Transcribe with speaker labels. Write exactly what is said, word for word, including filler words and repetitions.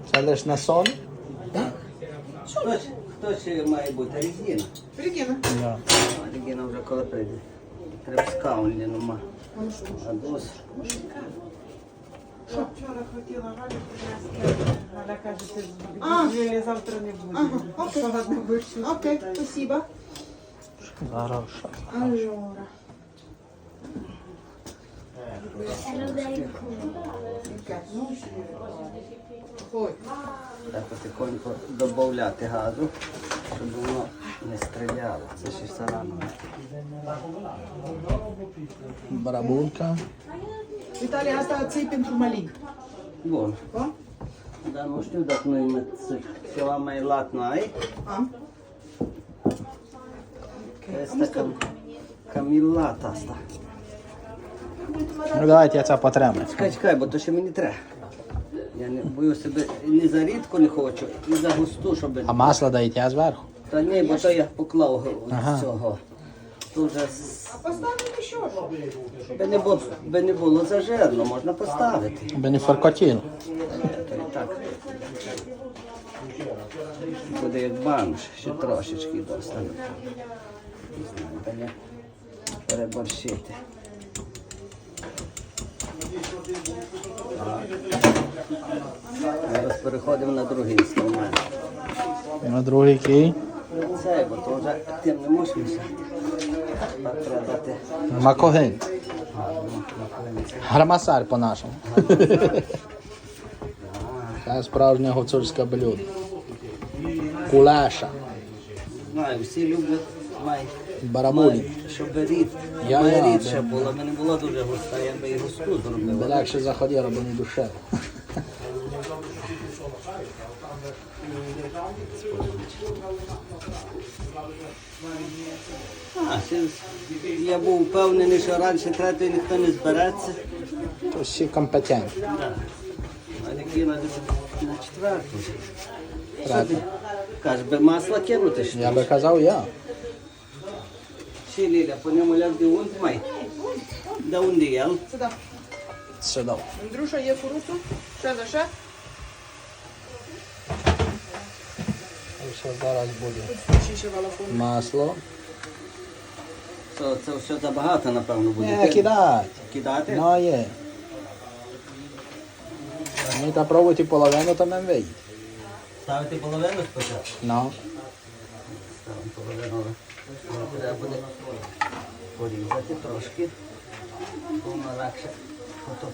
Speaker 1: Це лише на сон?
Speaker 2: Хтось, хтось має бути Регіна.
Speaker 3: Регіна.
Speaker 1: Да.
Speaker 2: А Регіна вже коли прийде. Треба скаунлі нема. А дос.
Speaker 3: Що вчора хотіла Галя принести. Галя каже, ти з неділі завтра не буде.
Speaker 4: Ага, окей.
Speaker 3: Погодно будеш.
Speaker 4: Окей, спасибо.
Speaker 1: Хорошо.
Speaker 4: Allora.
Speaker 3: Ой.
Speaker 2: Так потихоньку додати газу, щоб воно не стріляло. Це ще все рано.
Speaker 1: Барабулька.
Speaker 4: Italia asta ții pentru mălin.
Speaker 2: Bun.
Speaker 4: Da?
Speaker 2: Dar nu știu dacă noi mai ceva mai lat n-ai.
Speaker 4: Am.
Speaker 2: Este cam, cam e lat asta.
Speaker 1: Ну давайте я це потримаю.
Speaker 2: Чекай, чекай, бо то ще мені треба. Я не бою себе ні за рідку не хочу, і за густу, щоб...
Speaker 1: А масло даєте зверху?
Speaker 2: Та ні, бо то я поклав
Speaker 1: Ага.
Speaker 2: цього. Тут вже з-
Speaker 4: Поставим еще.
Speaker 2: би не було, би не було зажирно, можна поставити.
Speaker 1: Би не фаркотіло.
Speaker 2: То і так. Буде як банш, ще трошечки достане. Не знаю, та не переборщити. Зараз переходимо на другий інструмент.
Speaker 1: На другий кій.
Speaker 2: Це, бо то вже тим не можеш мішати. Так треба дати
Speaker 1: Макогин.
Speaker 2: гарно на колінці.
Speaker 1: Грамасар по-нашому. Це справжнє гуцульське блюдо. Кулеша.
Speaker 2: Знаю, всі люблять май.
Speaker 1: Барабулі.
Speaker 2: Щоб рід,
Speaker 1: Я-
Speaker 2: май
Speaker 1: я,
Speaker 2: рідше
Speaker 1: да.
Speaker 2: було, мене була дуже густа, я би і густу
Speaker 1: Би
Speaker 2: зробив.
Speaker 1: легше заходило, бо не душево.
Speaker 2: А, ще ж я був впевнений, що раніше третьої ніхто не збереться.
Speaker 1: То всі компетентні.
Speaker 2: Да. А які на, на четверту. Що
Speaker 1: Третя.
Speaker 2: ти? Каже, би масло кинути що?
Speaker 1: Я би казав я.
Speaker 2: Ще Ліля, по ньому ляг де унт май. Де унди єл?
Speaker 4: Сюда.
Speaker 1: Сюди.
Speaker 4: Андрюша, є курицю? Ще за ще?
Speaker 1: Все зараз буде.
Speaker 4: Ще ще валафон.
Speaker 1: Масло.
Speaker 2: Це, це все забагато, напевно, буде.
Speaker 1: Не, кидать.
Speaker 2: Кидати?
Speaker 1: Ну є. Ми та пробуйте половину, то нам вийде.
Speaker 2: Ставити половину спочатку?
Speaker 1: Ну.
Speaker 2: Ставимо половину. але Треба буде порізати трошки. Воно легше. Ото